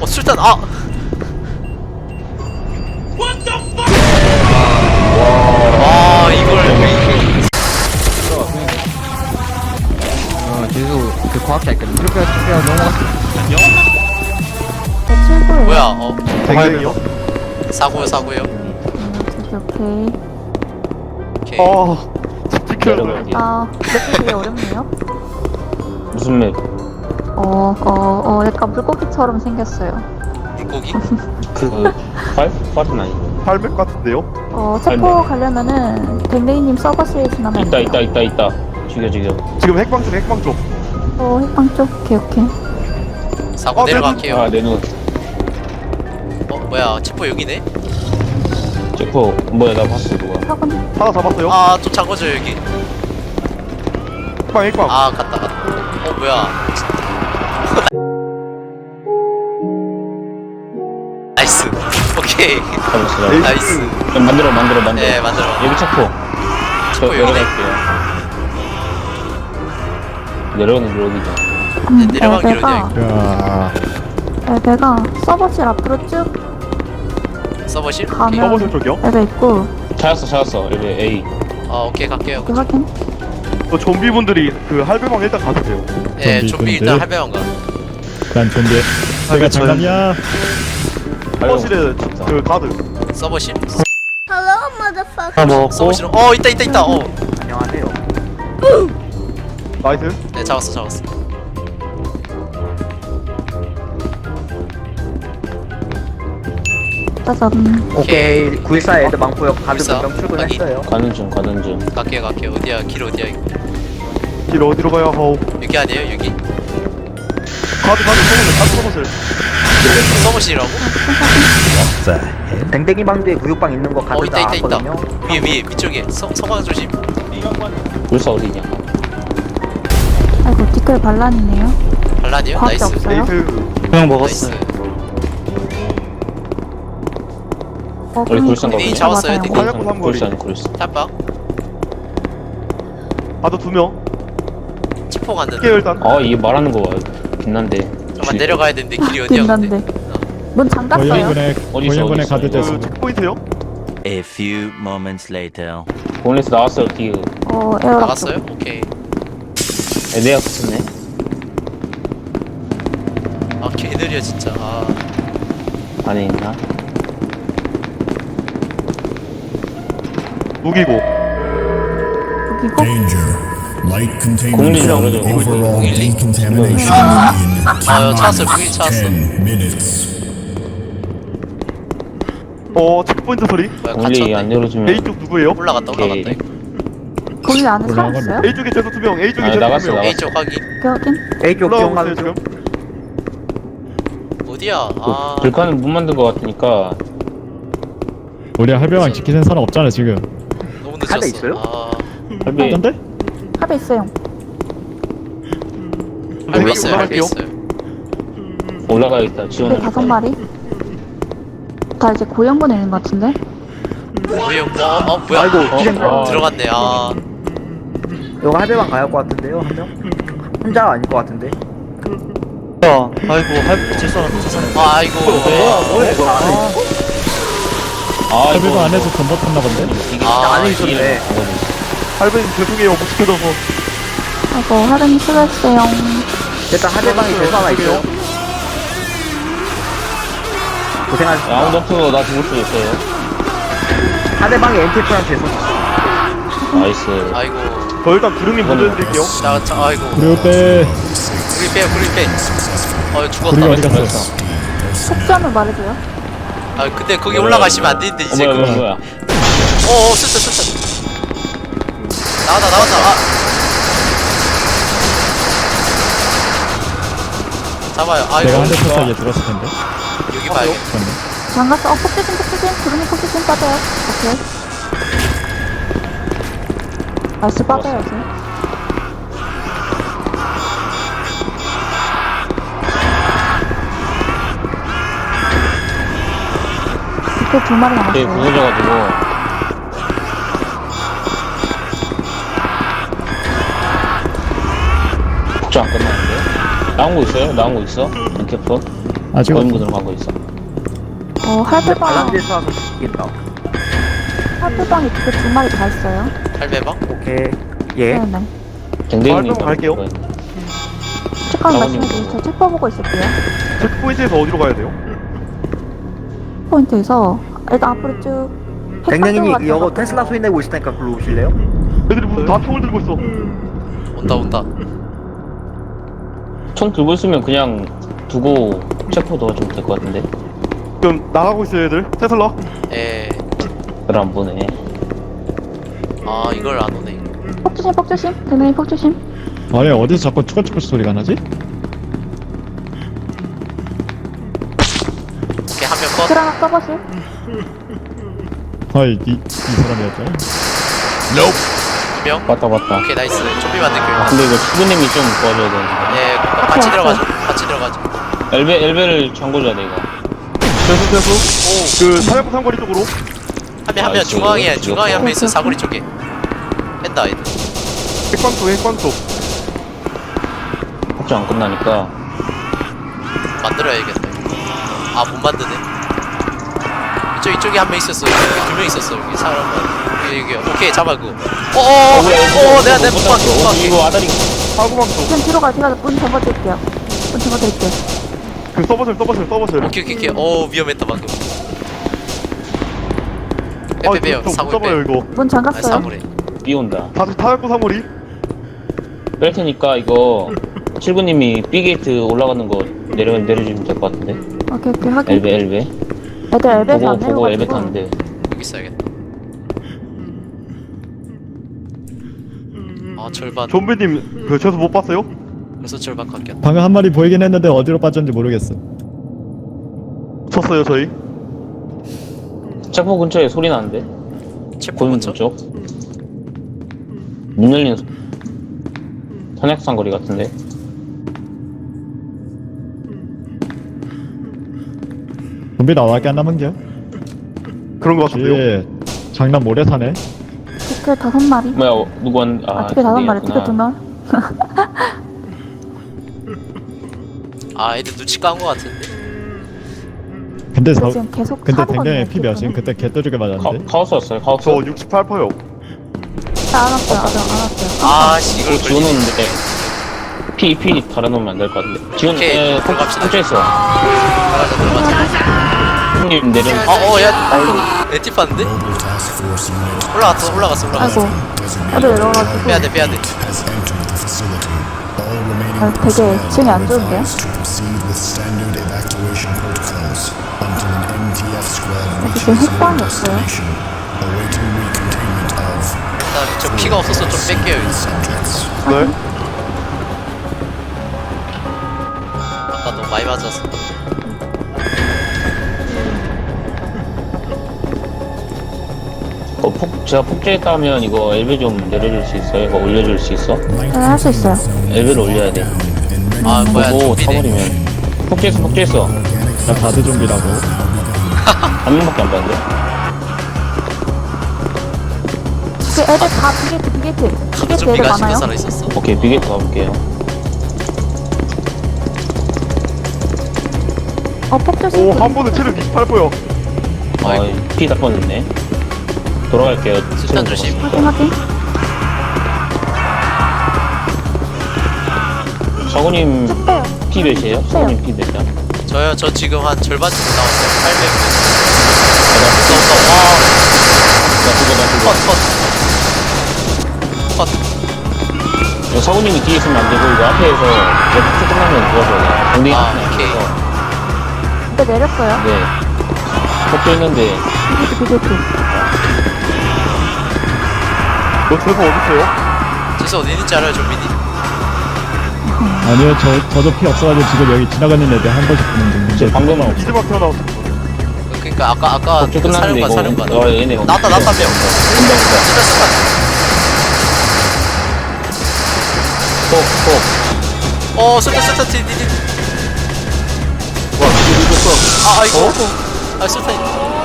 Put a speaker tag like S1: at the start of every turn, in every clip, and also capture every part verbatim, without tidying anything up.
S1: 어 술탄 아! 와 이걸
S2: 어 계속 그 과학자 있거든. 이렇게 이렇게 넘어갔어.
S3: 저 칠구예요.
S1: 뭐야 어
S4: 댕댕이요?
S1: 사고요 사고요
S3: 오케이 오케이.
S1: 오케이
S4: 어 지켜야 돼.
S3: 아 맵이 되게 어렵네요.
S5: 무슨 맵?
S3: 어어어 어, 어, 약간 물고기처럼 생겼어요.
S1: 물고기?
S5: 그 팔? 팔은 아니고
S4: 팔백 같은데요?
S3: 어 체포 가려면은 댕댕이님 서버스에 지나면
S5: 있다
S3: 안
S5: 있다
S3: 돼요.
S5: 있다 있다 죽여 죽여
S4: 지금 핵방 쪽 핵방 쪽.
S3: 어 핵방 쪽. 오케이 오케이.
S1: 사고
S4: 어,
S1: 내려갈게요
S5: 아내눈
S1: 어 뭐야 체포 여기네?
S5: 체포 뭐야 나 봤어 누가
S3: 사건.
S4: 하나 잡았어요?
S1: 아 또 잠궈줘 여기
S4: 핵방 핵방.
S1: 아 갔다 갔다 어 뭐야 나이스 오케이
S5: 잡았어
S4: 에이.
S1: 나이스
S5: 그럼 만들어 만들어 만들어
S1: 네 만들어
S5: 여기 체포 저
S1: 체포 여기네.
S5: 내려갈게요 내려오는 게 여기죠
S3: 음,
S1: 내려가기로
S3: 엘베가
S4: 야.
S3: 엘베가 서버실 앞으로 쭉
S1: 서버실? 오케이.
S3: 가면
S4: 서버실 쪽이요?
S3: 엘베 있고.
S5: 찾았어 찾았어 여기 A
S1: 아 오케이 갈게요
S3: 여기 확인.
S4: 또 좀비분들이 그 할배방 일단 가도 돼요.
S1: 예
S6: 좀비
S1: 좀비
S6: 있던데?
S1: 일단 할배왕가
S6: 난 좀비. 내가 장난이야.
S4: 서버실에 그 가드.
S1: 서버실?
S5: 하나 먹었고
S1: 서버실 어 있다 있다 있다 어.
S2: 안녕하세요.
S4: 나이스.
S1: 네 잡았어 잡았어
S3: 짜잔.
S2: 오케이 구일사 애들 많고요. 가드
S1: 구일사.
S2: 분명 출근했어요.
S5: 가는 중 가는 중
S1: 갈게요 갈게요 어디야 길 어디야 이거
S4: 길 어디로 가야 하오?
S1: 여기 아니에요 여기?
S4: 가드 가드 서버실 가드 서버실.
S1: 서버실이라고?
S2: 댕댕이 방 뒤에 구육방 있는 거
S1: 어
S2: 가드
S1: 있다
S2: 다
S1: 있다 있다
S2: 왔거든요.
S1: 위에 위에 위쪽에 서, 서광 조심
S5: 불사 어디냐
S3: 아이고 댓글 반란이네요.
S1: 반란이요?
S3: 과학자
S1: 나이스
S3: 없어요?
S4: 에이스.
S5: 그냥
S1: 나이스
S3: 어
S5: 우리
S3: 그럼
S5: 굴산
S3: 이거
S1: 댕댕이
S3: 진짜
S1: 잡았어요,
S3: 맞아요.
S1: 댕댕이.
S4: 한약국 한 거리.
S5: 굴산 굴산
S1: 탑박
S4: 가드 두 명.
S1: 치포 갔는데
S4: 깨요 일단.
S5: 아 이게 말하는 거 빛난데
S1: 잠깐만 내려가야 되는데 길이 어디야 근데
S3: 빈단데. 문 잠갔어요.
S6: 고영군의
S5: 어디 있어,
S6: 고영군의
S5: 어디 있어,
S6: 가드
S5: 이거.
S6: 됐어.
S4: 그 체크포인트요?
S7: A few moments later.
S5: 공원에서 나왔어요 어떻게
S3: 어 에어락
S1: 나갔어요?
S3: 쪽.
S1: 오케이
S5: 내가 붙었네
S1: 아 개느려 진짜 아
S5: 안에 있나?
S4: 무기고.
S3: 여기고.
S8: Danger. Light containment
S5: 공일이라고
S8: zone
S5: 그러죠.
S8: overall
S1: 공일이?
S8: decontamination in
S1: 아 찾았어요 무기 찾았어
S8: ten minutes.
S4: 어 체크포인트 소리.
S1: 뭐야
S5: 공일이 안
S1: 갇혔네
S5: 열어주면
S4: A 쪽 누구예요?
S1: 올라갔다 올라갔다
S5: 오케이.
S1: 이거
S3: 거기 안에 사람
S6: 올라가면
S3: 있어요?
S4: A 쪽에 최소 두 명. A 쪽에
S5: 아,
S4: 최소
S5: 나갔어,
S4: 두 명.
S5: 나갔어.
S1: A쪽 확인
S3: 오케이 확인.
S2: A쪽
S4: 올라가고
S2: 기억나는
S4: 있어요
S2: 중.
S4: 지금.
S1: 어디야 아
S5: 불칸은 못 만든 거 같으니까
S6: 우리 할배왕 지키는 사람 없잖아 지금.
S1: 너무 늦었어
S2: 카드 있어요?
S1: 아
S5: 할배
S6: 어떤데?
S3: 합에 있어요.
S1: 알고
S4: 네,
S1: 있어요 알고
S4: 올라갈게요.
S1: 있어요
S5: 올라가야겠다
S3: 네
S5: 지원을
S3: 다섯 마리. 다 이제 고영군에 있는 것 같은데.
S1: 뭐야 어, 어 뭐야
S2: 아이고,
S1: 어,
S2: 기생충.
S1: 어, 들어갔네 아
S2: 이거 할배방 가야 할 것 같은데요 한 명? 혼자 아닐 것 같은데.
S1: 아, 아이고
S2: 뭐야 이거?
S5: 아
S6: 할배왕 안에서 전버 탔나 본데.
S5: 이게
S1: 아,
S2: 안에
S5: 이게
S2: 있었네.
S5: 방법이지.
S4: 할배님 죄송해요 못 시켜줘서.
S3: 아이고 하루니 수고했어요.
S2: 일단 할배방에 대수 하나 있어요. 고생하셨습니다.
S5: 아무도 없어 나 죽을 수도 있어요
S2: 할배방에 엔티프랑 대수.
S5: 나이스
S1: 아이고
S4: 저 일단 구름님 먼저 해드릴게요.
S1: 자, 자 아이고
S6: 그리고 빼.
S1: 구리 빼 구리 빼어 죽었다
S6: 우리가 어디 갔어?
S3: 속점을 말해줘요.
S1: 아 근데 거기 올라가시면 안 되는데
S5: 어,
S1: 이제
S5: 뭐야
S1: 그거
S5: 뭐야 뭐야
S1: 어어 슬쩍 슬쩍 나왔다 나왔다 아 잡아요
S6: 내가
S1: 아이고
S6: 한 대 쳐서 얘 들었을 텐데.
S1: 여기 봐야겠
S6: 그렇네.
S3: 장갑 어 폭주심 폭주심 구름이 폭주심 빠져요. 오케이. 나이스 빠져요 이제. 댓글 두 마리
S5: 되게
S3: 남았어요.
S5: 궁금해가지고 폭주 안 끝나는데? 나온 거 있어요? 나온 거 있어? 엔캐프?
S6: 아직
S5: 고인분으로 가고 있어.
S3: 어, 할배방,
S2: 발란지에 쏴서 죽겠다.
S3: 할배방이 두 개 두 마리 다 있어요.
S1: 할배방?
S2: 오케이. 예.
S3: 네네.
S5: 댕댕이님
S4: 발동 갈게요.
S3: 잠깐
S5: 나머지
S3: 말씀해주세요. 저 책 보고 있을게요.
S4: 체크포인트에서 어디로 가야 돼요?
S3: 포인트에서 일단 앞으로 쭉.
S2: 댕댕이님
S3: 핵
S2: 이거
S3: 같은
S2: 테슬라 소리 내고 있을 테니까 글로 오실래요?
S4: 애들이 무슨 다 총을 들고 있어.
S1: 온다 온다.
S5: 총 들고 있으면 그냥 두고 체포 넣어주면 될 것 같은데.
S4: 지금 나가고 있어요 애들. 테슬라.
S1: 에.
S5: 그걸 안 보네.
S1: 아 이걸 안 오네.
S3: 폭조심, 폭조심. 댕댕이 폭조심.
S6: 아니 어디서 자꾸 추가추가 소리가 나지?
S1: 오케이 한 명 컷.
S3: 킬 하나 써보실.
S6: 아이 이, 이 사람이었죠.
S1: 두 명.
S5: 맞다 맞다.
S1: 오케이 나이스. 좀비 만든
S5: 아,
S1: 교.
S5: 근데 이거 추구님이 좀 도와줘야 되는데.
S1: 예 같이 들어가죠. 같이 들어가죠.
S5: 엘베 엘베를 잠궈줘야 돼 이거.
S4: 대수 대수.
S1: 오.
S4: 그 사냥꾼 상거리 쪽으로.
S1: 한 명 한 명
S5: 나이스.
S1: 중앙에 중앙에 한 명 있어.
S3: 오케이,
S1: 사거리 쪽에. 뺀다 얘들.
S4: 핵방 쪽 핵방 쪽.
S5: 확정 안 끝나니까.
S1: 만들어야겠네. 아 못 만드네. 이쪽 이쪽에 한 명 있었어. 여기 두 명 있었어. 여기 사람. 여기 여기. 오케이 잡아 그거. 어어. 어 내가 내가 못 막게 못 막게.
S5: 이거 아다리.
S4: 사고방 쪽.
S3: 지금 뒤로 가. 제가 문 접어드릴게요. 문 접어드릴게요.
S4: 그 서버실 서버실 서버실.
S1: 오케이 오케이 오케이. 어 위험했다 방금.
S4: 아
S1: 빼빼빼요.
S4: 이거 좀
S1: 사고
S4: 잡아요
S1: 빼.
S4: 이거.
S3: 문
S1: 아
S3: 잠갔어요.
S1: 사고래.
S5: 비 온다.
S4: 다시 타격고 사거리.
S5: 뺄 테니까 이거 칠구님이 B 게이트 올라가는 거 내려 내려주면 될 것 같은데.
S3: 오케이, 오케이. 확인.
S5: 엘베 엘베.
S3: 애들 엘베에서
S5: 보고
S3: 안
S5: 보고 엘베
S3: 내려가지고.
S5: 타는데.
S1: 여기 있어야겠다. 아 절반.
S4: 좀비님 그 죄수 못 봤어요?
S1: 그래서 절반 깎였다.
S6: 방금 한 마리 보이긴 했는데 어디로 빠졌는지 모르겠어.
S4: 쳤어요 저희.
S5: 체포 근처에 소리 나는데.
S1: 체포
S5: 고인
S1: 근처?
S5: 쪽. 문 열리는 소... 선약상거리 같은데.
S6: 좀비 나와게 안 남은겨?
S4: 그런 거 같은데요.
S6: 예. 장난 모래 사네.
S3: 티켓 다섯 마리.
S5: 뭐야 어, 누구 한
S3: 아,
S5: 아,
S3: 티켓 다섯 마리.
S5: 댕댕이였구나.
S3: 티켓 두 명.
S1: 아 애들 눈치 깐 거 같은데.
S6: 근데 사,
S3: 지금 계속
S6: 근데
S3: 사고거든요,
S6: 댕댕이 피 몇인?
S3: 티켓은.
S6: 그때 개떠주게
S5: 카,
S6: 맞았는데.
S5: 카오스였어요 카오스.
S4: 저 육십팔 퍼요.
S3: 아, 안 왔어요. 아직 안 왔어요.
S1: 아씨 이걸
S5: 이거
S1: 걸리네.
S5: 지워놓는데 피, 피 달아놓으면 안 될 것 같은데. 지원,
S1: 오케이,
S5: 에,
S1: 들어갑시다.
S5: 혼자 있어.
S1: 들어가자 들어가자.
S5: 형님 내리면.
S1: 어어야 내티 봤는데?
S8: Mobile Task Force Unit
S1: 올라갔어 올라갔어 올라갔어.
S3: 아이고.
S8: designated
S3: 애들 내려가지고.
S1: 빼야돼 빼야돼.
S8: has entered the facility. All remaining
S3: 아, 되게
S8: personnel
S3: 층이 안
S8: are
S3: 좋은데요?
S8: advised to proceed with standard evacuation protocols until an M T F squad reaches
S3: 지금
S8: your
S3: 핵방이 없어요.
S8: destination, awaiting recontainment of
S1: 일단 저 피가 없어서 좀 뺄게요. 이거.
S8: subjects.
S4: 네.
S1: 아까 너무 많이 맞았어.
S5: 어, 폭, 제가 폭주했다 하면 이거 엘베 좀 내려줄 수 있어요? 이거 올려줄 수 있어?
S3: 네, 할 수 있어요.
S5: 엘베를 올려야 돼.
S1: 아 뭐야
S5: 보고
S1: 좀비네.
S5: 타버리면. 폭주했어, 폭주했어.
S6: 나 바드 좀비라고.
S5: 한 명밖에 안 봤는데?
S3: 그 애들 다 비게이트, 비게이트. 비게이트 애들
S1: 좀비가
S3: 많아요.
S1: 신경 살아 있었어.
S5: 오케이, 비게이트 가볼게요.
S3: 어, 폭조심.
S4: 오 한 번에 체력 이십팔 퍼요.
S5: 아, 피다 뻔했네. 돌아갈게요.
S1: 술탄 조심.
S3: 확인, 확인.
S5: 서구님
S3: 쭉 빼요.
S5: 피 몇이에요? 서구님 피 몇이야?
S1: 저요 저 지금 한 절반 정도 나왔어요. 팔백. 없어 없어.
S5: 나 그거, 나 그거.
S1: 컷 컷. 컷.
S5: 이거 서구님이 뒤에 있으면 안 되고, 이거 앞에서 이거 폭주 끝나면 도와줘야 돼. 댕댕이
S1: 아,
S5: 앞에
S1: 오케이.
S5: 있어서.
S3: 근데 내렸어요.
S5: 네. 폭주했는데,
S3: 비게이트, 비게이트.
S4: 너 죄수 어디 있어요?
S1: 지수 어디 있는지 알아요 좀비니?
S6: 아니요 저 저도 피 없어가지고 지금 여기 지나가는 애들 한 번씩 보는 중인데.
S5: 제 방금
S4: 이제 막 태어나왔어.
S1: 그러니까 아까 아까
S5: 폭주
S1: 그
S5: 끝났는데,
S1: 사령관
S5: 이거.
S1: 사령관.
S5: 어, 얘네.
S1: 나왔다 나왔다 한 명.
S5: 온다, 온다.
S1: 진짜 순간.
S5: 폭, 폭.
S1: 어 술탄 술탄 디디디.
S5: 와, 뒤로 줬어.
S1: 아 아이고. 아 술탄.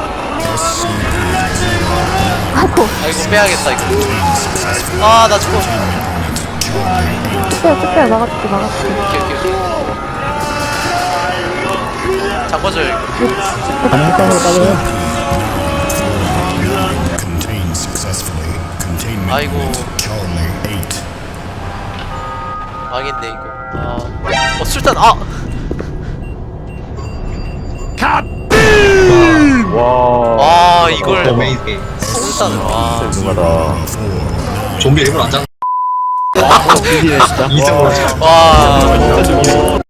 S3: 아이고,
S1: 아이고 빼야겠다 이거. 아나 죽어.
S3: 쭉 빼요, 쭉 빼요. 막아줄게, 막아줄게.
S1: 오케이 오케이 오케이. 잠궈줘요 이거.
S6: 그냥 땅으로 빠져요.
S8: Contained successfully. Containment
S1: 아이고.
S8: rate Charlie eight.
S1: 망했네 이거. 아, 어 술탄 아.
S4: 와.
S1: 아 이걸
S9: 메인 게임.
S1: 술탄을 와.
S9: 좀비 일부러 안 잡는
S2: 드디어 진짜.
S9: 이성으로
S1: 와.